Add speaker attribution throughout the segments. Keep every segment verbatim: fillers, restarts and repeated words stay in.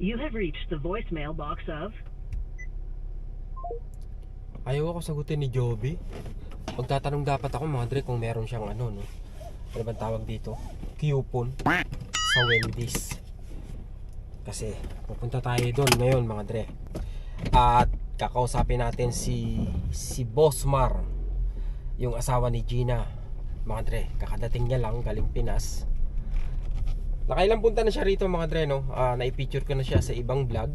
Speaker 1: You have reached the voicemail box of...
Speaker 2: Ayaw ako sagutin ni Joby. Magtatanong dapat ako mga dre kung meron siyang ano no. Ano bang tawag dito? Coupon sa Wendy's. Kasi pupunta tayo doon ngayon mga dre. At kakausapin natin si si Boss Mar, yung asawa ni Gina. Mga dre, kakadating niya lang galing Pinas. Nakailang punta na siya rito mga dre no. Uh, naipicture ko na siya sa ibang vlog.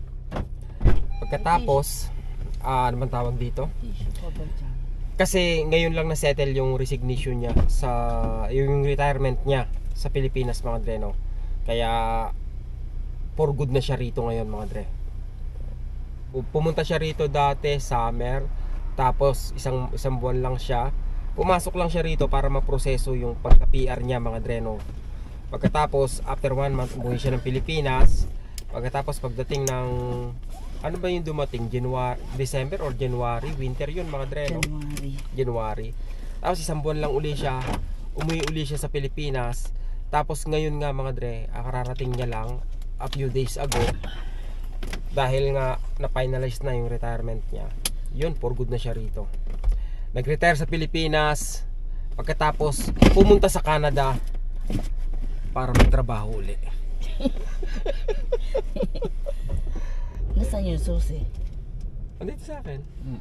Speaker 2: Pagkatapos ah, ano man tawag dito? Kasi ngayon lang na-settle yung resignation niya sa yung retirement niya sa Pilipinas mga dre no. Kaya for good na siya rito ngayon mga dre. Pumunta siya rito dati summer, tapos isang isang buwan lang siya. Pumasok lang siya rito para maproseso yung pagka-P R niya mga dre no. Pagkatapos after one month umuwi siya ng Pilipinas. Pagkatapos pagdating ng ano ba yung dumating? January, December or January? Winter yun mga dre no?
Speaker 3: January.
Speaker 2: January. Tapos isang buwan lang uli siya. Umuwi uli siya sa Pilipinas. Tapos ngayon nga mga dre, kararating niya lang a few days ago. Dahil nga na-finalize na yung retirement niya. Yun, for good na siya rito. Nag-retire sa Pilipinas. Pagkatapos pumunta sa Canada para magtrabaho uli.
Speaker 3: Nasaan yung susi?
Speaker 2: Andito sa akin. Hmm.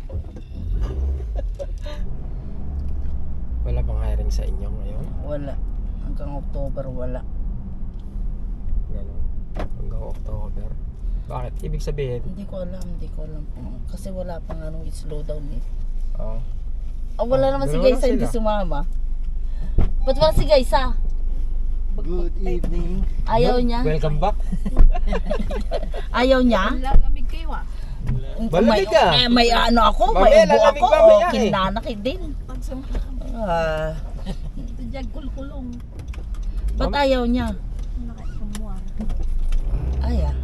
Speaker 2: Wala bang hiring sa inyo ngayon?
Speaker 3: Wala. Hanggang October wala.
Speaker 2: Ganun. Hanggang October. Bakit? Ibig sabihin?
Speaker 3: Hindi ko alam, hindi ko alam. Kasi wala pang anong slowdown eh.
Speaker 2: Oo.
Speaker 3: Ah, wala
Speaker 2: Oh,
Speaker 3: naman si
Speaker 2: dalawa
Speaker 3: Gaysa
Speaker 2: lang
Speaker 3: hindi
Speaker 2: sila.
Speaker 3: sumama. Ba't wala si Gaysa?
Speaker 4: Good evening.
Speaker 3: Ayaw niya?
Speaker 2: Welcome back.
Speaker 3: Ayaw niya?
Speaker 5: Lalamig kayo ah.
Speaker 2: Malamig
Speaker 3: may,
Speaker 2: ka.
Speaker 3: eh, may ano ako,
Speaker 2: Mamaya,
Speaker 3: may ubo
Speaker 2: lalamig
Speaker 3: ako.
Speaker 2: mamaya
Speaker 3: O,
Speaker 2: eh.
Speaker 3: kinanakit din.
Speaker 5: Pagsampa
Speaker 3: Ah,
Speaker 5: ito dyan kulkulong.
Speaker 3: ba't ayaw niya?
Speaker 5: Nakakumuha.
Speaker 3: Ay ah.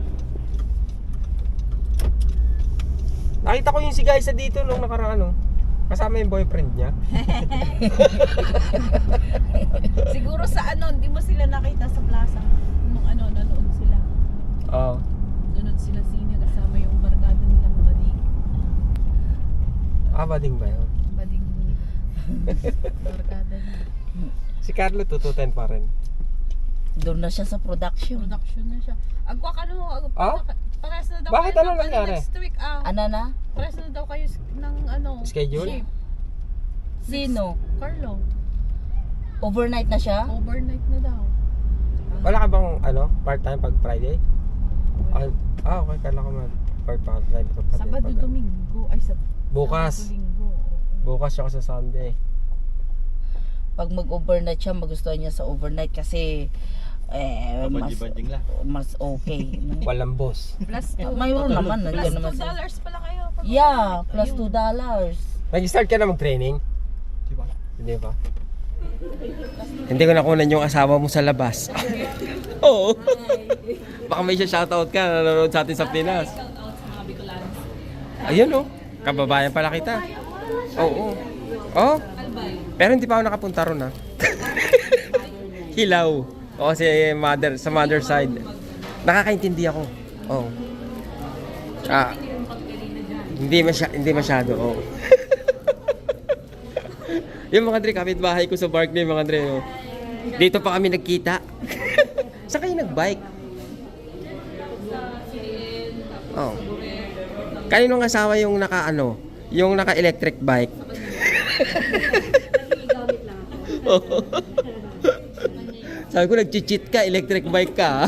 Speaker 2: Nakita ko yung si Gaysa dito nung nakaraan ano. Kasama yung boyfriend niya.
Speaker 5: Siguro sa ano, hindi mo sila nakita sa plaza. Nung ano, nanood sila.
Speaker 2: Oo.
Speaker 5: Nanood sila sino kasama yung barkada nilang bading.
Speaker 2: Ah, bading ba yun?
Speaker 5: Bading barkada niya.
Speaker 2: Si Carlo tututin pa rin.
Speaker 3: Doon na siya sa production.
Speaker 5: Production na siya. Agwa ka no, agwa
Speaker 2: Ah?
Speaker 5: pares na daw
Speaker 2: Bakit?
Speaker 5: kayo
Speaker 2: Ano
Speaker 5: ng-
Speaker 2: nangyari?
Speaker 5: Next week ah.
Speaker 3: Ano na?
Speaker 5: Pares na daw kayo s- ng ano.
Speaker 2: Schedule?
Speaker 5: shift.
Speaker 3: Sino?
Speaker 5: Carlo.
Speaker 3: Overnight na siya?
Speaker 5: Overnight na daw.
Speaker 2: Wala ka bang ano, part-time pag Friday? Ah, ah okay, kala ko man. Part-time pag Friday.
Speaker 5: Sabado,
Speaker 2: pag-
Speaker 5: Domingo. Ay, sa
Speaker 2: Bukas.
Speaker 5: Sabado, Linggo.
Speaker 2: Bukas siya sa Sunday.
Speaker 3: Pag mag-overnight siya, magustuhan niya sa overnight kasi eh, mas,
Speaker 4: Badjing lang.
Speaker 3: mas okay. no?
Speaker 2: Walang boss.
Speaker 5: Plus
Speaker 3: Eh,
Speaker 5: two.
Speaker 3: mayroon naman.
Speaker 5: Plus
Speaker 3: Nandiyan
Speaker 5: two
Speaker 3: naman sa...
Speaker 5: dollars pala kayo. Pag-
Speaker 3: Yeah, plus
Speaker 5: Ayun.
Speaker 3: two dollars.
Speaker 2: Nag-start ka na mag-training?
Speaker 4: Di ba?
Speaker 2: Hindi ba? Hindi ko nakunan yung asawa mo sa labas. Oo. Baka may siya shoutout ka na nanonood sa atin sa Pinas. Ayun oh. Kababayan pala kita. Oo. Oh. Pero hindi pa ako nakapunta ron ha. Hilaw. O kasi mother, sa mother side. Nakakaintindi ako. Oo. Ah. Hindi masya, hindi masyado. Oo. Yung mga dre, kapitbahay ko sa Barkley, mga dre. Oh. Dito pa kami nagkita. Saan kayo nag-bike? Oh. Kaninong asawa yung naka ano, yung naka electric bike? Oo. Sabi ko nag-cheat ka, electric bike ka.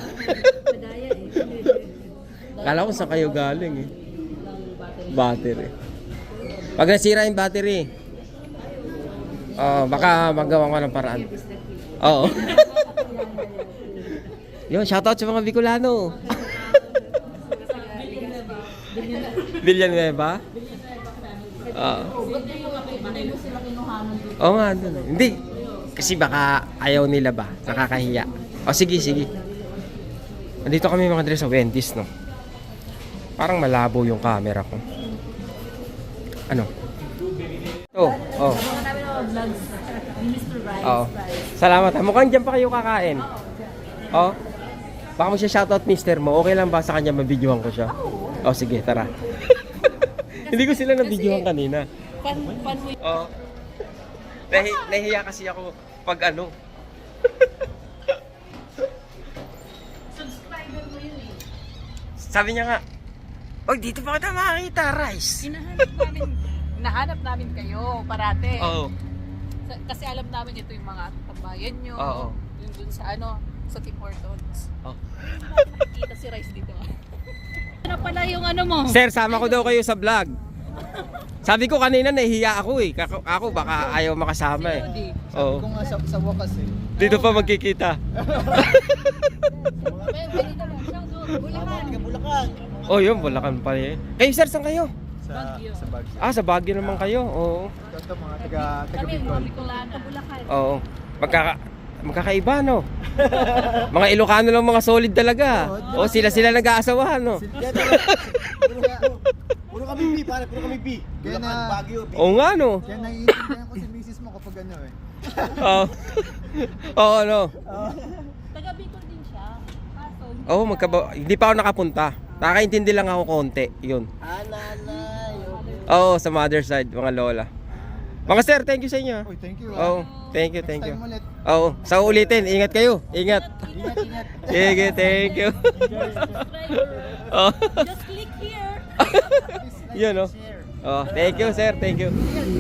Speaker 2: Kala ko saan kayo galing eh. Battery. Pag nasira yung battery, oh, baka magawa ko ng paraan. Oo. Yun, shoutout sa mga Bicolano. Villanueva? Oo. Oo nga, dun. Hindi. Kasi baka ayaw nila ba? Nakakahiya. O sige, sige. Nandito kami mga dre sa Wendy's, no? Parang malabo yung camera ko. Ano? Oh, oh. Oo. Salamat. Ha. Mukhang dyan pa kayo kakain. Oh. Baka mo siya shoutout mister mo. Okay lang ba sa kanya mabidyohan ko siya? Oo. Oh, sige, tara. Hindi ko sila nabidyohan kanina.
Speaker 5: Pan, pan mo
Speaker 2: Oo. Nahi, nahiya kasi ako pag ano.
Speaker 5: subscriber mo yun eh.
Speaker 2: Sabi niya nga, "Oy, dito pa kita makakita, Rice."
Speaker 5: Hinahanap namin, nahanap namin kayo parate.
Speaker 2: Oo.
Speaker 5: Sa- Kasi alam namin ito yung mga tambayan nyo.
Speaker 2: Oo.
Speaker 5: Yung dun sa ano, sa Tim Hortons.
Speaker 2: Oh.
Speaker 5: Nakikita si Rice dito. Ano pala yung ano mo?
Speaker 2: Sir, sama ko daw kayo sa vlog. Sabi ko kanina nahihiya ako eh. Kako- Ako baka ayaw makasama eh.
Speaker 5: Hindi.
Speaker 2: Oo.
Speaker 4: Kung nga sa, sa wakas eh.
Speaker 2: Dito pa magkikita.
Speaker 5: Pwede naman siyang doon. Bulacan.
Speaker 4: Taga Bulacan.
Speaker 2: Oh, yun, Bulacan pa eh. Kayo sir, saan kayo?
Speaker 4: Sa,
Speaker 5: Baguio.
Speaker 4: sa Baguio.
Speaker 2: Ah, sa Baguio naman kayo. Oo.
Speaker 4: Ito mga taga, taga
Speaker 5: Kami,
Speaker 4: Bicol.
Speaker 5: mga Bicolana. Bulacan.
Speaker 2: Oo. Magkaka magkakaiba no. Mga Ilocano lang mga solid talaga. O sila sila nag-aasawahan no.
Speaker 4: Kaya talaga, puro, puro kami B, pare, puro kami B. Kaya na, Baguio, B.
Speaker 2: Oo nga no.
Speaker 4: Kaya naiintindihan ko si misis mo kapag ano eh.
Speaker 2: Oo. Oo no.
Speaker 5: Taga Bicol din siya. Kaso, hindi
Speaker 2: Oo,
Speaker 5: siya-
Speaker 2: magkaba hindi pa ako nakapunta. Nakakaintindi lang ako konti, yun.
Speaker 4: Ah, nanay.
Speaker 2: Oo, sa mother side, mga lola. Mga sir, thank you sa inyo.
Speaker 4: Uy, thank you.
Speaker 2: Oo,
Speaker 4: ah.
Speaker 2: thank you, thank you.
Speaker 4: Next time ulit.
Speaker 2: Oo, sa ulitin, ingat kayo. Ingat.
Speaker 4: Ingat, ingat.
Speaker 2: Sige, thank you. Oo.
Speaker 5: Just click here.
Speaker 2: Yun, no? Oh, thank you, sir. Thank you.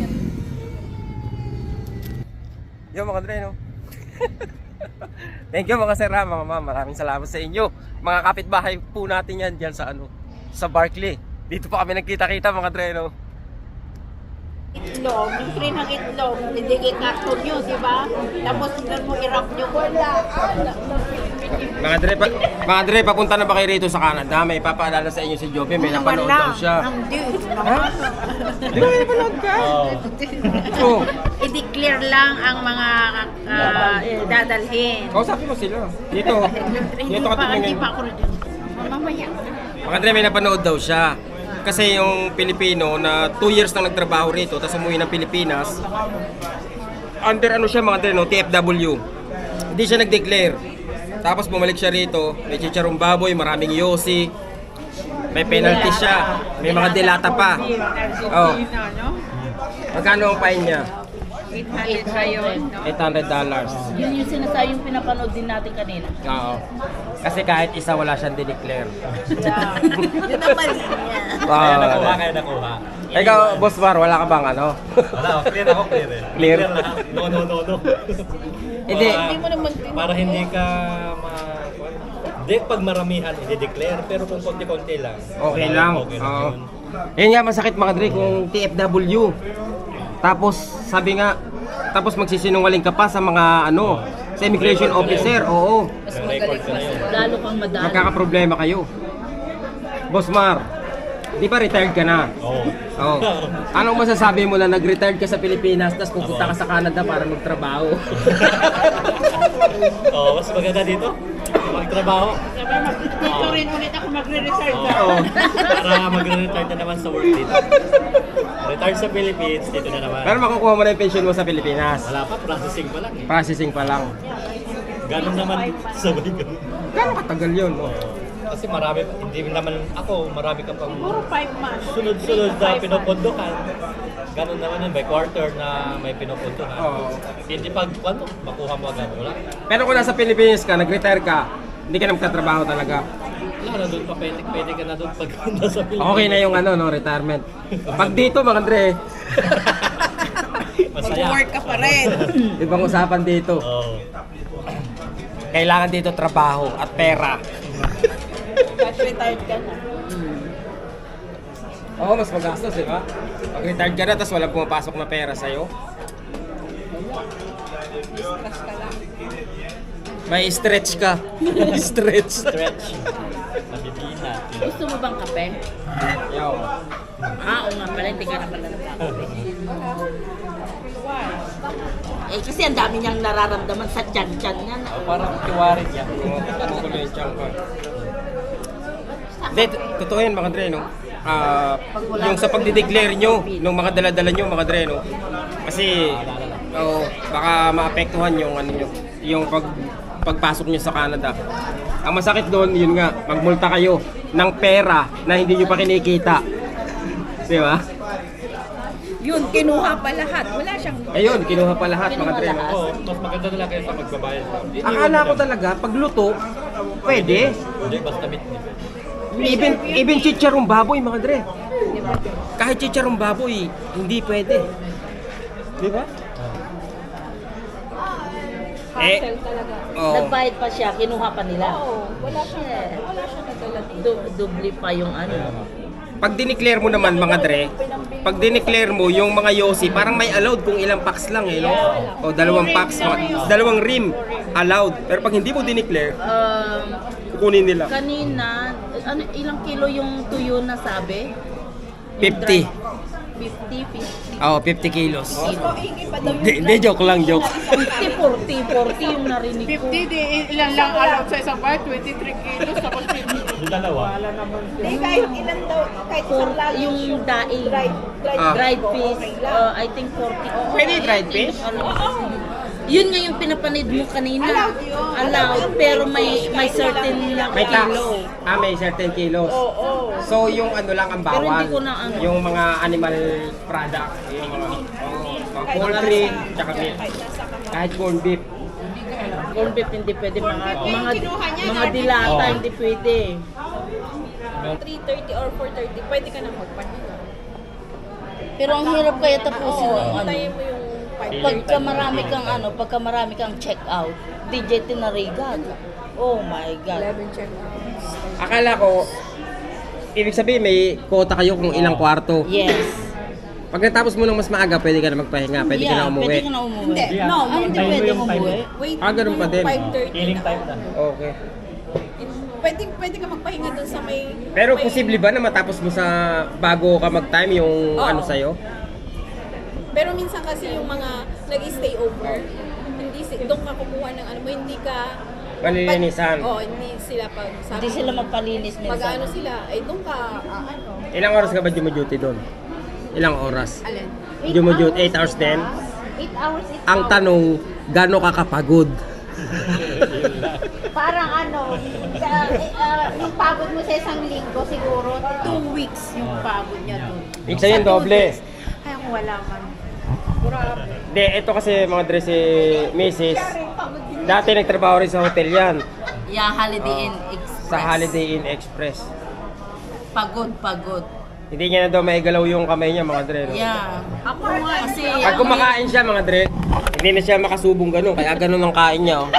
Speaker 2: Yo, mga Dre, no? Thank you, mga sir, ha, mga ma'am. Maraming salamat sa inyo. Mga kapitbahay po natin yan dyan sa, ano, sa Barclay. Dito pa kami nagkita-kita, mga Dre, no?
Speaker 6: Itlog, yung free ng itlog, hindi kayo karton nyo, di ba? Tapos doon mo i-wrap nyo. Wala.
Speaker 2: Mga Dre, pa, mga Dre, papunta na ba kayo rito sa Canada? May papaalala sa inyo si Joby. May napanood daw siya.
Speaker 6: Hindi.
Speaker 2: Ha? Di ba may napanood ka? Oo.
Speaker 6: I-declare lang ang mga ah, dadalhin.
Speaker 2: Kausapin mo sila. Dito.
Speaker 6: Hindi
Speaker 2: Dito ka
Speaker 6: pa, hindi
Speaker 2: tingin.
Speaker 6: pa ako rin. Mamaya.
Speaker 2: Mga Dre, may napanood daw siya. Kasi yung Pilipino na two years nang nagtrabaho rito, tapos umuwi ng Pilipinas, under ano siya mga Dre, no? T F W. Hindi siya nag-declare. Tapos bumalik siya rito, may chicharong baboy, maraming yosi, may penalty siya, may mga delata pa. Oh. Magkano ang fine niya?
Speaker 6: eight hundred pa yun.
Speaker 2: eight hundred dollars.
Speaker 3: Yun yung sinasabi yung pinapanood din natin kanina.
Speaker 2: Oo. Kasi kahit isa wala siyang dineclare.
Speaker 6: Yun ang mali niya.
Speaker 2: Kaya
Speaker 7: nakuha, kaya nakuha.
Speaker 2: Ikaw, Boss Mar, wala ka bang ano?
Speaker 7: Wala, clear ako, clear eh.
Speaker 2: Clear?
Speaker 7: lahat. No, no, no, no.
Speaker 2: Hindi.
Speaker 7: Para-
Speaker 5: Hindi mo naman tin-
Speaker 7: Para hindi ka ma... Hindi, pag maramihan, i-declare. Pero kung konti-konti lang.
Speaker 2: Okay
Speaker 7: wala,
Speaker 2: lang.
Speaker 7: Okay lang
Speaker 2: Oo.
Speaker 7: yun.
Speaker 2: Yun nga masakit mga Dre kung T F W. Tapos sabi nga tapos magsisinungaling ka pa sa mga ano, sa immigration officer. Oo.
Speaker 5: Mas
Speaker 7: May record
Speaker 5: magaling
Speaker 7: ka na
Speaker 5: mas.
Speaker 7: yun.
Speaker 3: Lalo kang madali.
Speaker 2: Magkakaproblema kayo. Boss Mar, di ba retired ka na?
Speaker 7: Oo.
Speaker 2: Oo. Anong masasabi mo na nag-retired ka sa Pilipinas tapos pupunta ka sa Canada para magtrabaho?
Speaker 7: Oo, mas maganda dito. Magtrabaho.
Speaker 6: Dito rin ulit ako magre-reserve.
Speaker 7: Oo. Para mag-retire na naman sa work dito. Retire sa Philippines, dito na naman.
Speaker 2: Pero makukuha mo na yung pension mo sa Pilipinas.
Speaker 7: Wala pa, processing pa lang eh.
Speaker 2: Processing pa lang.
Speaker 7: Ganun naman, sabay ganun.
Speaker 2: Gano'ng katagal yun?
Speaker 7: Oo. Kasi marami, hindi naman ako, marami kang pang
Speaker 6: Puro five months.
Speaker 7: sunod-sunod na pinupunduhan. Ganun naman yun, by quarter na may pinupunduhan.
Speaker 2: Oo.
Speaker 7: Hindi pag, ano, makuha mo agad, wala.
Speaker 2: Pero kung nasa Pilipinas ka, nag-retire ka, hindi ka na magtatrabaho talaga.
Speaker 7: Wala na doon pa, pwede, pwede ka na doon pag nasa Pilipinas.
Speaker 2: Okay na yung ano, no, retirement. Pag dito, mga Andre,
Speaker 7: Masaya.
Speaker 5: Mag-work ka pa rin.
Speaker 2: ibang usapan dito.
Speaker 7: Oo.
Speaker 2: Kailangan dito trabaho at pera.
Speaker 5: Cash retired ka na.
Speaker 2: Oo, mas magastos, di ba? Pag retired ka na, tapos walang pumapasok na pera sa'yo.
Speaker 5: Cash ka lang.
Speaker 2: May stretch ka. stretch.
Speaker 7: Stretch. Nabibina.
Speaker 3: Gusto mo bang kape?
Speaker 2: Yo.
Speaker 3: Ah, oo nga pala, hindi ka na pala nagkakape. Eh, kasi ang dami niyang nararamdaman sa tiyan-tiyan niya.
Speaker 7: Oh, parang tiwarin niya.
Speaker 2: Tumukulo yung tiyan ka. Hindi, t- totoo yan mga Dre, no? Ah, yung sa pagdideclare nyo, nung mga daladala nyo mga Dre, no? Kasi, oh, baka maapektuhan yung ano nyo, yung pag, pagpasok nyo sa Canada. Ang masakit doon, yun nga, magmulta kayo ng pera na hindi nyo pa kinikita. Di ba?
Speaker 5: Yun, kinuha pa lahat. Wala siyang...
Speaker 2: Ayun, kinuha pa lahat mga
Speaker 3: Kinuha
Speaker 2: dre.
Speaker 3: lahat.
Speaker 7: Oo, mas maganda na lang kayo sa magbabayad.
Speaker 2: Akala ko talaga, pag luto, pwede.
Speaker 7: Hindi, basta meat.
Speaker 2: Even, even chicharong baboy mga dre. Kahit chicharong baboy, hindi pwede. Di ba? Eh, oh.
Speaker 3: Nagbayad pa siya, kinuha pa nila.
Speaker 5: Oo, wala siyang... Wala siyang nadala dito.
Speaker 3: Du- dubli pa yung ano.
Speaker 2: Pag dineclare mo naman mga dre, pag dineclare mo yung mga yosi, parang may allowed kung ilang packs lang eh, no? O dalawang packs, mga- dalawang rim allowed. Pero pag hindi mo dineclare,
Speaker 3: Um,
Speaker 2: kukunin nila.
Speaker 3: kanina, ano, ilang kilo yung tuyo na sabi? Yung
Speaker 2: fifty.
Speaker 3: dry- fifty, fifty.
Speaker 2: Oo, fifty kilos.
Speaker 5: Ikaw, hingi pa daw yung...
Speaker 2: Hindi, hindi, joke lang, joke.
Speaker 3: fifty, forty, forty yung narinig ko.
Speaker 6: fifty, di ilan lang allowed sa isang bar, twenty-three kilos, tapos fifty.
Speaker 7: Yung dalawa.
Speaker 5: Hindi, kahit ilan daw, kahit
Speaker 3: For,
Speaker 5: isang lagi.
Speaker 3: yung daing,
Speaker 5: Dried, dried,
Speaker 2: Ah.
Speaker 3: dried fish, uh, I think forty.
Speaker 2: Pwede dried fish?
Speaker 3: Ano? Yun nga yung pinapanid mo kanina.
Speaker 5: Allowed yun.
Speaker 3: Allowed, pero may may certain
Speaker 2: May tax.
Speaker 3: kilo.
Speaker 2: Ah, may certain kilos.
Speaker 5: Oo.
Speaker 2: So, yung ano lang ang
Speaker 3: Pero
Speaker 2: bawal.
Speaker 3: hindi ko na ano.
Speaker 2: Yung mga animal product. Yung mga, oh, mga poultry, tsaka meat. Kahit corned beef.
Speaker 3: Corn beef hindi pwede, mga mga
Speaker 5: kinuha niya,
Speaker 3: mga
Speaker 5: Lord.
Speaker 3: dilata
Speaker 7: Oo.
Speaker 3: hindi pwede.
Speaker 5: three thirty or four thirty, pwede ka nang magpahinga.
Speaker 3: Pero ang hirap kaya tapusin
Speaker 5: Oo,
Speaker 3: ng ano.
Speaker 5: hintayin mo yung five
Speaker 3: Pagka marami kang ano, pagka marami kang check out, D J tinarigan. Oh my God.
Speaker 5: eleven check outs.
Speaker 2: Akala ko, ibig sabihin may quota kayo kung ilang kwarto.
Speaker 3: Yes.
Speaker 2: Pag natapos mo ng mas maaga, pwede ka na magpahinga, pwede ka na
Speaker 3: Yeah,
Speaker 2: umuwi.
Speaker 3: Pwede ka na umuwi.
Speaker 5: Hindi,
Speaker 7: Yeah.
Speaker 5: no,
Speaker 3: Ah, hindi
Speaker 7: Time mo
Speaker 3: pwede
Speaker 7: yung time.
Speaker 3: umuwi.
Speaker 5: wait
Speaker 2: Ah, ganun pa din.
Speaker 5: five thirty
Speaker 7: Killing
Speaker 5: na.
Speaker 7: time na.
Speaker 2: Okay.
Speaker 5: Pwede, pwede ka magpahinga dun sa may...
Speaker 2: Pero
Speaker 5: may-
Speaker 2: posible ba na matapos mo sa bago ka mag-time yung
Speaker 5: Oo.
Speaker 2: ano sa'yo?
Speaker 5: Pero minsan kasi yung mga nag-stay over, hindi si, doon ka kukuha ng ano mo, hindi ka...
Speaker 2: Malilinisan.
Speaker 5: Oo, oh, hindi sila pag... Sabi,
Speaker 3: Hindi sila magpalinis
Speaker 5: Pag
Speaker 3: minsan.
Speaker 5: ano sila, ay doon ka... ah, ano,
Speaker 2: Ilang oras ka ba duty doon? Ilang oras?
Speaker 5: alin?
Speaker 2: Duty eight hours din?
Speaker 6: eight hours, eight
Speaker 2: Ang
Speaker 6: hours.
Speaker 2: tanong, gaano ka kapagod?
Speaker 6: Parang ano, sa, eh, ah, yung pagod mo sa isang linggo siguro,
Speaker 5: Two weeks yung pagod niya doon.
Speaker 2: Ibig sabihin doble.
Speaker 5: Ay, ako wala man.
Speaker 2: Hindi, ito kasi mga dress si missus Dati nagtrabaho rin sa hotel yan.
Speaker 3: Yeah, Holiday Inn Express.
Speaker 2: Sa Holiday Inn Express.
Speaker 3: Pagod, pagod.
Speaker 2: Hindi niya na daw maigalaw yung kamay niya mga dre. No?
Speaker 3: Yeah. Ako nga. Kasi
Speaker 2: Pag kumakain siya mga dre, hindi na siya makasubong ganun. Kaya ganun ang kain niya. Oh.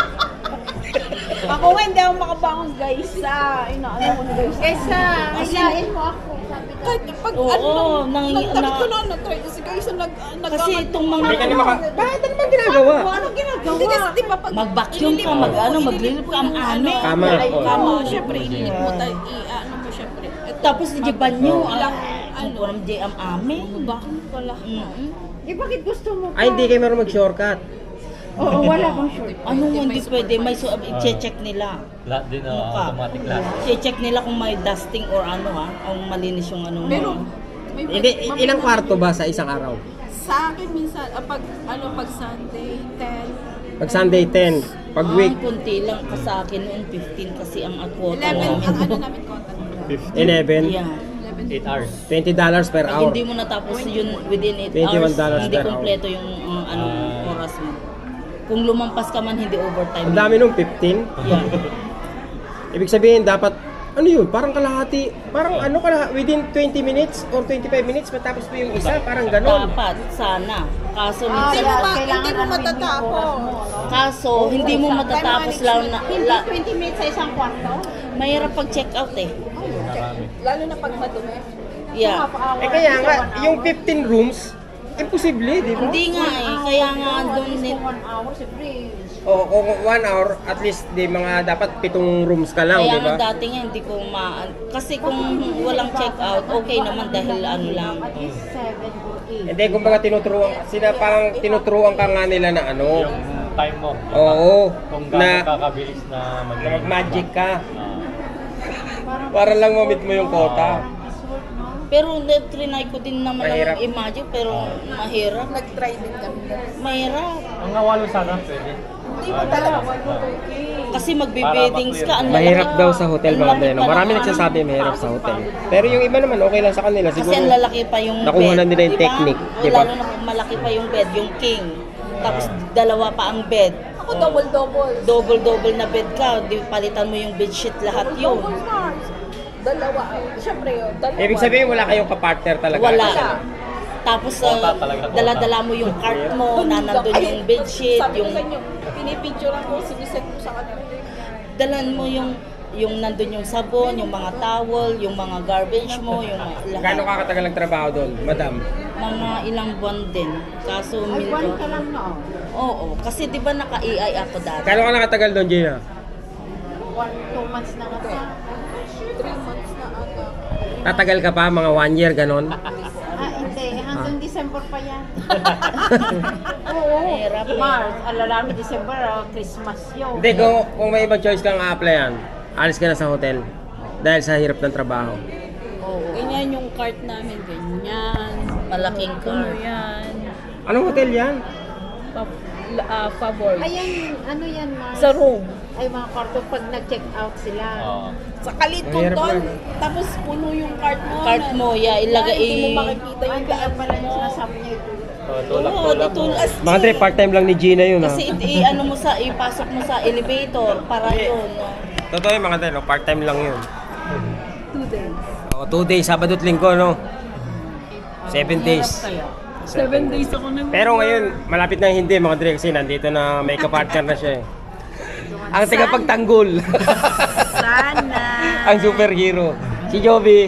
Speaker 5: Ako nga, hindi ako makabangon guys sa... Inaano ko na guys.
Speaker 6: kaysa hilain mo ako. Sabi ko.
Speaker 5: Kahit pag
Speaker 3: Oo,
Speaker 5: ano,
Speaker 3: nang-
Speaker 5: nagtakot
Speaker 3: na-
Speaker 5: ko na, nag-try kasi guys, nag... nag
Speaker 3: Kasi itong mga...
Speaker 2: Hindi ka na maka... Bakit ano bang ginagawa?
Speaker 5: Anong ginagawa? Hindi kasi, di ba, pag...
Speaker 3: Mag-vacuum ka,
Speaker 5: inilip-
Speaker 3: mag-ano,
Speaker 5: inilip
Speaker 3: maglilip
Speaker 5: mo
Speaker 3: ka, ang
Speaker 5: yung
Speaker 3: ame.
Speaker 5: ano,
Speaker 2: Kama,
Speaker 5: Ay,
Speaker 2: oo.
Speaker 5: kama, syempre, inilip mo, tayo, i-ano mo, syempre. Ito,
Speaker 3: Tapos di banyo.
Speaker 2: Oo.
Speaker 3: Ilang... Ano? Walang di am ame.
Speaker 5: bakit pala?
Speaker 3: Mm-mm.
Speaker 6: Eh, bakit gusto mo pa?
Speaker 2: Ay, hindi kayo meron mag-shortcut.
Speaker 6: Oo, wala akong short.
Speaker 3: Ano nga hindi pwede? May so, i-check nila.
Speaker 7: Lahat din, uh,
Speaker 3: Mukha.
Speaker 7: automatic lahat.
Speaker 3: I-check nila kung may dusting or ano ha. Ang malinis yung ano mo.
Speaker 5: Pero, may,
Speaker 2: Hindi, ilang kwarto ba sa isang araw?
Speaker 5: Sa akin minsan, ah, pag, ano, pag Sunday, ten,
Speaker 2: Pag Sunday, ten. Pag
Speaker 3: Ah,
Speaker 2: week,
Speaker 3: kunti lang ka sa akin noon, fifteen kasi ang quota
Speaker 5: eleven, ang
Speaker 3: namin.
Speaker 5: ano namin contact.
Speaker 2: eleven.
Speaker 3: Yeah.
Speaker 5: eleven.
Speaker 7: eight hours.
Speaker 2: twenty dollars per
Speaker 3: Pag
Speaker 2: hour.
Speaker 3: hindi mo natapos yun within eight
Speaker 2: twenty-one
Speaker 3: hours,
Speaker 2: dollars
Speaker 3: hindi
Speaker 2: per hour.
Speaker 3: kompleto yung uh, ano,
Speaker 7: Ah.
Speaker 3: oras mo. Kung lumampas ka man, hindi overtime.
Speaker 2: Ang dami nung fifteen.
Speaker 3: Yeah.
Speaker 2: Ibig sabihin, dapat, ano yun, parang kalahati, parang ano kalahati, within twenty minutes or twenty-five minutes, matapos mo yung isa, parang ganon.
Speaker 3: Dapat, sana. Kaso,
Speaker 5: Hindi
Speaker 3: minsan,
Speaker 5: mo, ma,
Speaker 6: kailangan
Speaker 5: hindi mo
Speaker 6: ano,
Speaker 5: matatapos.
Speaker 3: kaso, hindi mo matatapos lang na,
Speaker 6: Hindi
Speaker 3: la,
Speaker 6: twenty minutes sa isang kwarto?
Speaker 3: mahirap pag check out eh.
Speaker 7: Marami.
Speaker 5: Lalo na pag madumi.
Speaker 3: Yeah.
Speaker 2: Eh kaya nga, yung fifteen rooms, imposible, di ba?
Speaker 3: Hindi nga eh, kaya nga doon din.
Speaker 6: One hour, siyempre.
Speaker 2: O kung one hour, at least di mga dapat pitong rooms ka lang,
Speaker 3: Kaya
Speaker 2: di ba?
Speaker 3: nga dati nga hindi ko ma... Kasi kung walang check out, okay naman dahil ano lang.
Speaker 6: At least seven or eight.
Speaker 2: Hindi, kumbaga tinuturuan, sila parang tinuturuan ka nga nila na ano.
Speaker 7: Yung time mo.
Speaker 2: Oo,
Speaker 7: Kung
Speaker 2: na,
Speaker 7: gaano kakabilis na mag
Speaker 2: na mag-magic ka.
Speaker 7: Ah.
Speaker 2: Para lang ma-meet mo yung quota.
Speaker 3: Pero trinay ko din naman
Speaker 2: Mahirap.
Speaker 3: ang imagine, pero mahirap.
Speaker 5: Nag-try din kami.
Speaker 3: Mahirap.
Speaker 7: Ang awalo sana, pwede.
Speaker 5: Hindi mo dalawa.
Speaker 3: Kasi magbe-beddings ka. Ang
Speaker 2: Mahirap
Speaker 3: lalaki-
Speaker 2: daw sa hotel
Speaker 3: ang
Speaker 2: mga
Speaker 3: laki
Speaker 2: Dreno.
Speaker 3: pa
Speaker 2: Marami
Speaker 3: ng-
Speaker 2: nagsasabi mahirap sa hotel. Pero yung iba naman okay lang sa kanila.
Speaker 3: Kasi
Speaker 2: Siguro
Speaker 3: ang lalaki pa yung
Speaker 2: nakuha
Speaker 3: bed.
Speaker 2: na nila yung
Speaker 3: diba?
Speaker 2: technique,
Speaker 3: O,
Speaker 2: diba?
Speaker 3: Lalo na kung malaki pa yung bed, yung king. Tapos dalawa pa ang bed.
Speaker 5: Ako double-double.
Speaker 3: Double-double na bed ka. Di palitan mo yung bedsheet lahat yun.
Speaker 5: Double na. Dalawa. Siyempre yun. Dalawa.
Speaker 2: Ibig sabihin wala kayong kapartner talaga.
Speaker 3: Wala.
Speaker 5: Wala.
Speaker 3: Tapos uh, dala-dala mo yung cart mo, na nandun
Speaker 5: Ay,
Speaker 3: yung bedsheet,
Speaker 5: Sabi
Speaker 3: yung
Speaker 5: ko sa inyo, pinipicture ako, siniset ko sa kanila.
Speaker 3: dalan mo yung yung nandun yung sabon, yung mga towel, yung mga garbage mo, yung mga
Speaker 2: Gano'ng
Speaker 3: lahat.
Speaker 2: kakatagal ang trabaho doon, madam?
Speaker 3: Mga ilang buwan din. Kaso
Speaker 6: Ay, buwan
Speaker 3: minto.
Speaker 6: ka lang no.
Speaker 3: Oo, kasi 'di ba naka-A I ako dati.
Speaker 2: Gano'n ka nakatagal doon, Gina?
Speaker 6: One, two months na kasi.
Speaker 5: Three months na ata.
Speaker 2: Tatagal ka pa, mga one year, gano'n?
Speaker 6: Ah, hindi. Hanggang December pa yan.
Speaker 3: Oo, hirap. eh.
Speaker 6: March, alalami December, ah, Christmas yun.
Speaker 2: Hindi, kung, kung may ibang choice kang a-applyan, alis ka na sa hotel. Dahil sa hirap ng trabaho.
Speaker 3: Oo.
Speaker 5: Ganyan yung cart namin, ganyan.
Speaker 3: Malaking
Speaker 5: Ano
Speaker 3: car.
Speaker 5: yan?
Speaker 2: Anong hotel yan?
Speaker 5: Pa, uh, favor.
Speaker 6: Ayan, ano yan, Mars?
Speaker 5: Sa room.
Speaker 6: Ay, mga kwarto pag nag-check out sila.
Speaker 7: Oo.
Speaker 5: Sa kaliton
Speaker 2: Mahirap
Speaker 5: doon.
Speaker 2: lang.
Speaker 5: Tapos puno yung cart mo.
Speaker 3: Cart
Speaker 5: na-
Speaker 3: mo, yeah, ilagay
Speaker 5: na Hindi mo
Speaker 3: i-
Speaker 5: makikita
Speaker 6: Ay,
Speaker 5: yung
Speaker 6: kaya
Speaker 5: daan
Speaker 6: pala yung
Speaker 5: mo.
Speaker 6: sinasabi niya ito.
Speaker 7: Oh,
Speaker 3: Oo,
Speaker 7: tulak-tulak mo.
Speaker 3: tutulas.
Speaker 2: Mga Dre, part-time lang ni Gina yun, ha?
Speaker 3: Kasi i- ano mo sa ipasok mo sa elevator para yun. No?
Speaker 2: Totoo yung mga Dre, no? Part-time lang yun.
Speaker 5: Two days.
Speaker 2: O, two days, Sabado at Linggo, no? Seven days.
Speaker 5: Seven days ako nag-
Speaker 2: Pero ngayon, malapit na hindi, mga Dre, kasi nandito na may kapartner na siya, eh. Ang tagapagtanggol.
Speaker 6: Sana.
Speaker 2: Ang superhero. Si Joby.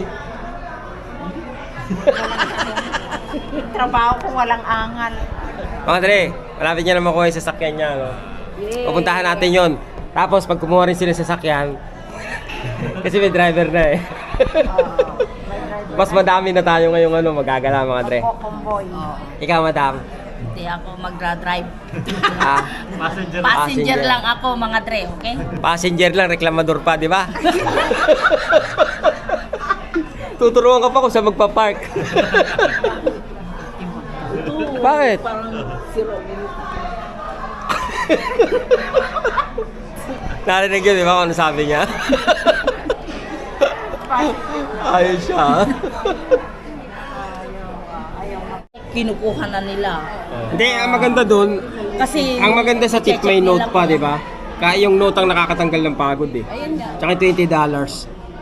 Speaker 6: Trabaho ko walang angal.
Speaker 2: Mga Dre, malapit niya na makuha yung sasakyan niya, no? Pupuntahan natin yon. Tapos, pag kumuha rin sila ng sasakyan, kasi may driver na, eh. Mas madami na tayo ngayong ano, magagala, mga Dre.
Speaker 6: Convoy.
Speaker 2: Ikaw, madam.
Speaker 3: Hindi ako magra-drive.
Speaker 2: Ah,
Speaker 7: Passenger.
Speaker 3: Passenger
Speaker 2: Passenger.
Speaker 3: lang ako, mga Dre, okay?
Speaker 2: passenger lang, reklamador pa, di ba? Tuturuan ka pa kung saan magpa-park. Bakit? Narinig yun, di ba, kung ano sabi niya? Ayos siya.
Speaker 3: Kinukuha na nila.
Speaker 2: Hindi, ang maganda doon,
Speaker 3: Kasi
Speaker 2: ang maganda sa tip may
Speaker 3: check
Speaker 2: note
Speaker 3: nila
Speaker 2: pa,
Speaker 3: kung-
Speaker 2: di ba? Kaya yung note ang nakakatanggal ng pagod, eh.
Speaker 5: Ayun nga.
Speaker 2: Tsaka twenty dollars.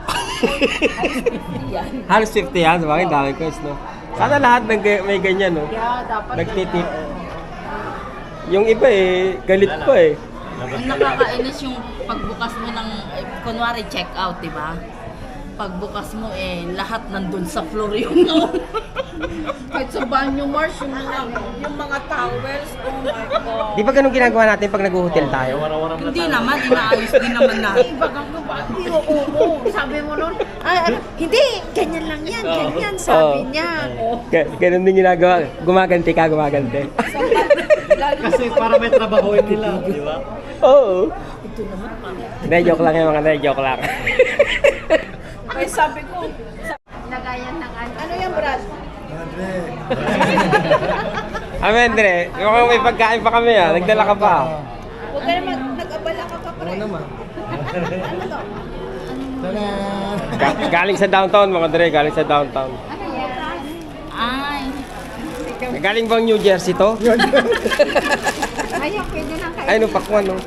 Speaker 3: Yan.
Speaker 2: Halos fifty yan, diba? Ang dami coins, no? Sana lahat ng ga- may ganyan, no?
Speaker 6: Kaya dapat
Speaker 2: Nagtitip. Yung iba eh, galit pa eh.
Speaker 3: Ang nakakainis yung pagbukas mo ng, eh, kunwari check out, di ba? Pagbukas mo eh, lahat nandun sa floor yung
Speaker 5: Kahit sa banyo, Mars, yung mga, yung mga towels, oh my God.
Speaker 2: Di ba ganun ginagawa natin pag nag-hotel tayo?
Speaker 7: Waram-waram na
Speaker 3: Hindi
Speaker 7: tayo.
Speaker 3: naman, inaayos din naman natin.
Speaker 6: bagang ko ba? Oo, oo. Sabi mo nun, ay, ano, hindi, ganyan lang yan, ganyan, sabi
Speaker 2: Oo.
Speaker 6: niya.
Speaker 2: Ga- ganun din ginagawa. Gumaganti ka, gumaganti.
Speaker 7: Kasi para may trabahoin nila, di ba?
Speaker 2: Oo. Hindi, joke lang yung mga hindi, joke lang.
Speaker 5: Ay, sabi ko,
Speaker 6: Lagayan ng ano.
Speaker 5: ano yan, Brad?
Speaker 2: Amen, Dre. Mukhang may pagkain pa kami ah. Nagdala ka pa.
Speaker 5: Huwag ka naman, nag-abala ka pa pa rin. Ano to?
Speaker 2: Ga- galing sa downtown, mga Dre. Galing sa downtown.
Speaker 3: Ay,
Speaker 2: Galing bang New Jersey to?
Speaker 6: Ayaw, pwede lang kayo.
Speaker 2: Ay, no, pakwan, no?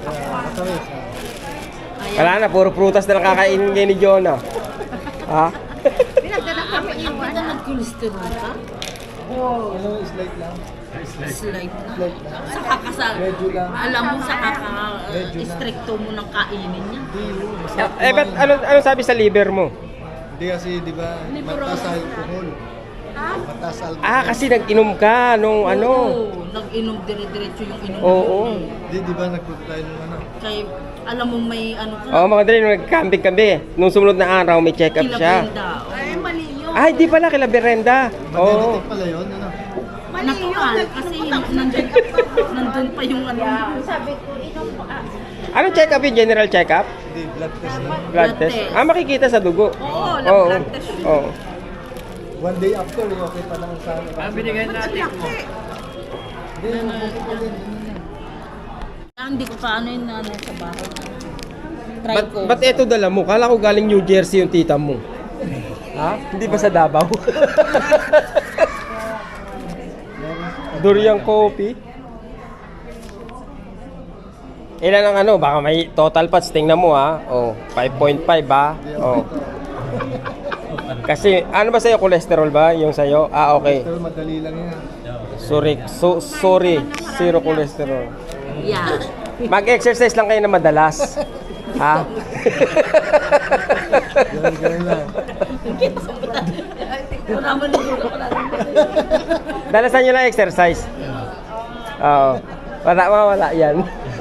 Speaker 2: Wala na, puro prutas na nakakainin ngayon ni Jonah. Ha?
Speaker 6: Pinagdala kami
Speaker 3: hindi
Speaker 6: yung
Speaker 3: ka
Speaker 6: ano.
Speaker 3: nag-cholesterol ka?
Speaker 4: Ano, slight lang.
Speaker 3: Slight na. Sa kakasal. Alam mo, sa kaka-stricto mo ng kainin niya.
Speaker 2: Eh, ba't ano, ano sabi sa liver mo?
Speaker 4: Hindi kasi, di ba, mataas sa alcohol. Mataas sa alcohol.
Speaker 2: Ah, kasi nag-inom ka nung ano.
Speaker 3: Oo, nag-inom dire-diretso yung inom
Speaker 2: Oo.
Speaker 3: mo.
Speaker 4: Di, di ba, nagpunta tayo nung ano.
Speaker 3: Kaya, alam mo may ano ka.
Speaker 2: Oo, mga Dre, nung nag-camping kami, nung sumunod na araw, may check-up
Speaker 3: Kila
Speaker 2: siya.
Speaker 3: Brenda.
Speaker 5: Ay, mali yun.
Speaker 2: Ay, di pala, kila Berenda. Oo.
Speaker 4: Magnetic pala yun, ano.
Speaker 3: Natural, kasi nandun, nandun pa yung ano.
Speaker 6: Sabi ko, inom pa. ah,
Speaker 2: Ano check-up yung general check-up?
Speaker 4: Hindi, blood test lang.
Speaker 2: Blood
Speaker 3: Blood
Speaker 2: test?
Speaker 3: test.
Speaker 2: Ah, makikita sa dugo.
Speaker 5: Oo, lab
Speaker 2: Oo.
Speaker 5: blood test yun.
Speaker 2: Oo.
Speaker 4: One day after, eh, okay pa lang sa...
Speaker 7: Ah, binigay natin mo.
Speaker 4: Hindi, okay pa din. yun yun.
Speaker 3: Ah, Ah, hindi ko pa ano yun ano, sa bahay. Try
Speaker 2: Ba't,
Speaker 3: ko.
Speaker 2: ba't eto dala mo? Kala ko galing New Jersey yung tita mo. Ha? Hindi ba sa Davao? Durian coffee. Ilan ang ano? Baka may total patch. Tingnan mo ha. Oh, five point five ha. Oh. Kasi ano ba sa'yo? Cholesterol ba? Yung sa'yo? Ah, okay.
Speaker 4: Pero madali lang yan.
Speaker 2: Sorry. So, sorry. Zero cholesterol.
Speaker 3: Yeah.
Speaker 2: Mag-exercise lang kayo na madalas. Ha?
Speaker 4: Ganun, ganun lang.
Speaker 3: Wala mo nito. Wala
Speaker 2: Dalasan nyo lang exercise. Oo. Wala, wala yan.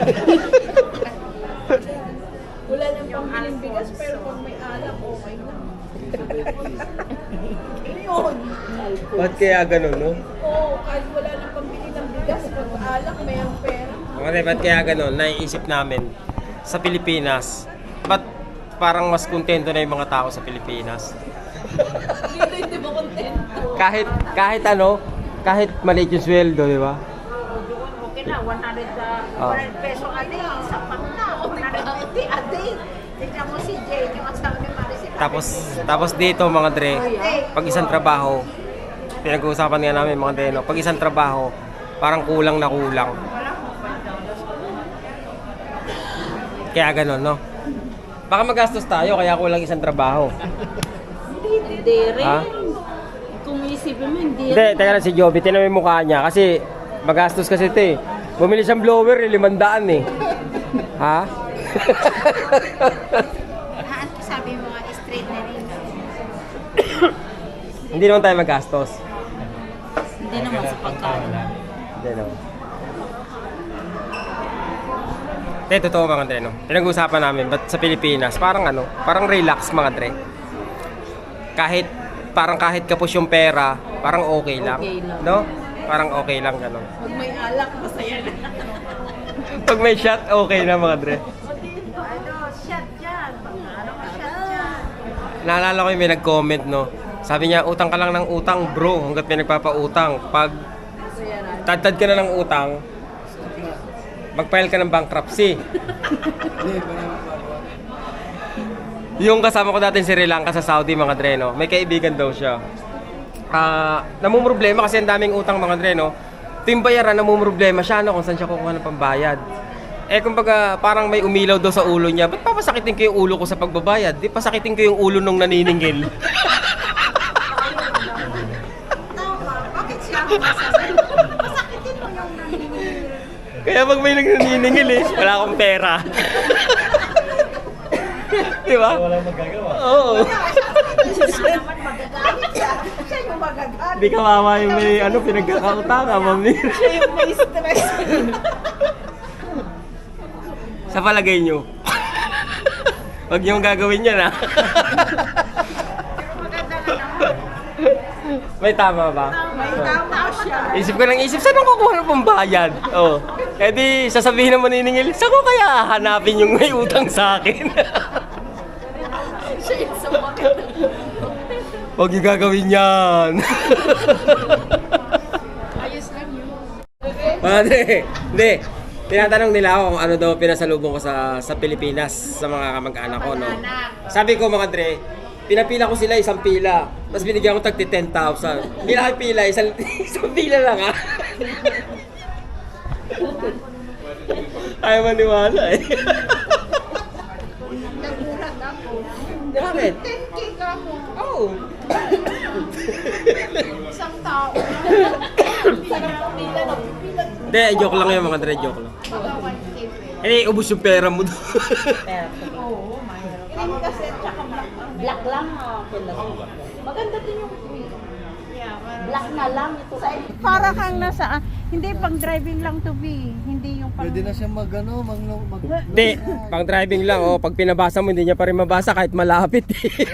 Speaker 5: Wala nang pambiling bigas, pero pag may alak, okay na. Yun.
Speaker 2: Ba't kaya ganun, no?
Speaker 5: Oo, kahit wala nang pambili ng bigas, pag alak, may ang pera.
Speaker 2: Okay, ba't kaya ganun? Naiisip namin sa Pilipinas, ba't parang mas kontento na yung mga tao sa Pilipinas?
Speaker 5: Dito hindi mo kontento.
Speaker 2: Kahit, kahit ano, kahit maliit yung sweldo, di ba?
Speaker 6: Okay na, one hundred, uh,
Speaker 2: Oh.
Speaker 6: one hundred peso a day, sapat na, one hundred fifty a day. Tignan mo si Jane, yung asawa ni Maricel.
Speaker 2: Tapos, tapos dito mga dre, pag isang trabaho, pinag-uusapan nga namin mga dre, no? Pag isang trabaho, parang kulang na kulang. Kaya ganun, no? Baka magastos tayo, kaya kulang isang trabaho.
Speaker 3: Hindi rin.
Speaker 2: Ha?
Speaker 3: Kung isipin mo, hindi
Speaker 2: Hindi, teka lang si Joby, tinan mo yung mukha niya. Kasi, magastos kasi ito eh. Bumili siyang blower, eh, limandaan eh. Ha?
Speaker 6: Haan ko sabi mo mga straight na rin.
Speaker 2: Hindi naman tayo magastos.
Speaker 3: Hindi naman sa pagkain.
Speaker 2: Hindi naman. Hindi, totoo mga Dre, no? Pinag-uusapan namin, ba't sa Pilipinas, parang ano, parang relax mga Dre. Kahit, parang kahit kapos yung pera, parang okay lang.
Speaker 3: Okay lang.
Speaker 2: No? Parang okay lang, gano'n.
Speaker 5: Pag may alak, masaya na.
Speaker 2: Pag may shot, okay na mga Dre.
Speaker 6: Ano, shot dyan. Ano ka shot dyan?
Speaker 2: Naalala ko yung may nag-comment, no? Sabi niya, utang ka lang ng utang, bro, hanggat may nagpapautang. Pag tatad ka na ng utang, mag-file ka ng bankruptcy. Yung kasama ko dati si Sri Lanka sa Saudi, mga Dre, no? May kaibigan daw siya. Ah, namumroblema kasi ang daming utang, mga Dre, no? Ito yung bayaran, namumroblema siya, no? Kung saan siya kukuha ng pambayad. Eh, kumbaga, parang may umilaw daw sa ulo niya. Ba't papasakitin ko yung ulo ko sa pagbabayad? Di pasakitin ko yung ulo nung naniningil.
Speaker 6: Bakit siya ako masasabi? Masakitin mo yung nanginginig.
Speaker 2: Kaya pag may nagnaniningil eh, wala akong pera. Di ba?
Speaker 7: Walang magagawa.
Speaker 2: Oo.
Speaker 6: Siya naman magagalit siya. Siya yung magagalit.
Speaker 2: Di kawawa yung may ano, pinagkakautangan, mamir.
Speaker 5: Siya yung may stress.
Speaker 2: Sa palagay nyo. Huwag nyo gagawin yan, ha? May tama ba?
Speaker 5: May tama siya.
Speaker 2: Isip ko ng isip, saan ang kukuha ng pambayad? Oh. Eh di, sasabihin ng maniningil, saan ko kaya hanapin yung may utang sa akin?
Speaker 5: Siya yung sumakit.
Speaker 2: Huwag nyo gagawin yan.
Speaker 5: Ayos lang yun.
Speaker 2: Padre, hindi. Tinatanong nila ako kung ano daw pinasalubong ko sa sa Pilipinas sa mga kamag-anak ko, no? Sabi ko mga Dre, pinapila ko sila isang pila. Tapos binigyan ko tagti ten thousand. Hindi na pila, isang, isang pila lang ha. Ayaw maniwala eh.
Speaker 6: Nagulat ako.
Speaker 2: Bakit?
Speaker 6: ten K ka mo.
Speaker 2: Oh.
Speaker 6: Isang tao.
Speaker 5: Pila na pipila.
Speaker 2: Hindi, joke lang yun mga Dre, joke lang.
Speaker 6: Mga one K pa.
Speaker 2: Eh, ubus yung pera mo doon.
Speaker 5: Oo, mayroon. Green kasi at saka black ang
Speaker 3: Black lang. ah, pila.
Speaker 5: Maganda din yung green.
Speaker 3: Black na lang ito.
Speaker 8: Para kang nasa, ah, hindi pang driving lang to be, hindi yung pang...
Speaker 4: Pwede na siya mag ano, mag, mag,
Speaker 2: Hindi, pang driving lang. Oh. Pag pinabasa mo, hindi niya pa rin mabasa kahit malapit.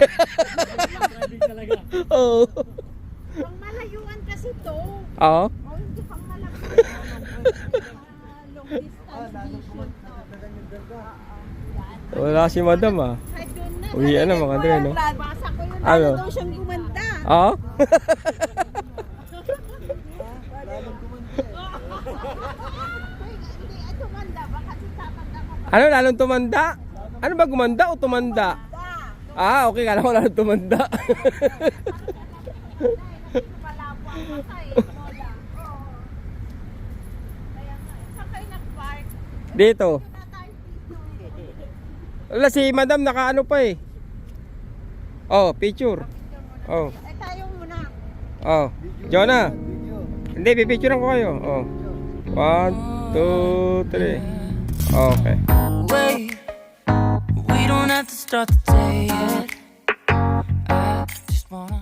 Speaker 2: Oo.
Speaker 8: Pang malayuan kasi to.
Speaker 2: Oo.
Speaker 8: O hindi pang malaki. Long distance mission to.
Speaker 2: Wala si madam ah.
Speaker 8: Ay, doon na.
Speaker 2: Uwian na mga Dre, no?
Speaker 8: Basa ko yun.
Speaker 2: Ano?
Speaker 8: Ano daw siyang gumanda.
Speaker 2: Oo?
Speaker 6: tumanda, baka si tatanda ko pa.
Speaker 2: Ano, lalong tumanda? Ano ba, gumanda o tumanda? Ah, okay, kala ko lalong tumanda.
Speaker 6: Palabo ang mata eh, lola. Oo. Kaya nga, eh. Saan kayo nag-park?
Speaker 2: Dito.
Speaker 6: Na tayo dito.
Speaker 2: Wala, si madam nakaano pa eh. Oh, picture. Oh,
Speaker 8: Eh tayo muna.
Speaker 2: oh. Jonah. Hindi, pipicturean ko kayo. Oh. One, two, three. Okay.
Speaker 9: Wait, we don't have to start the day yet. I just wanna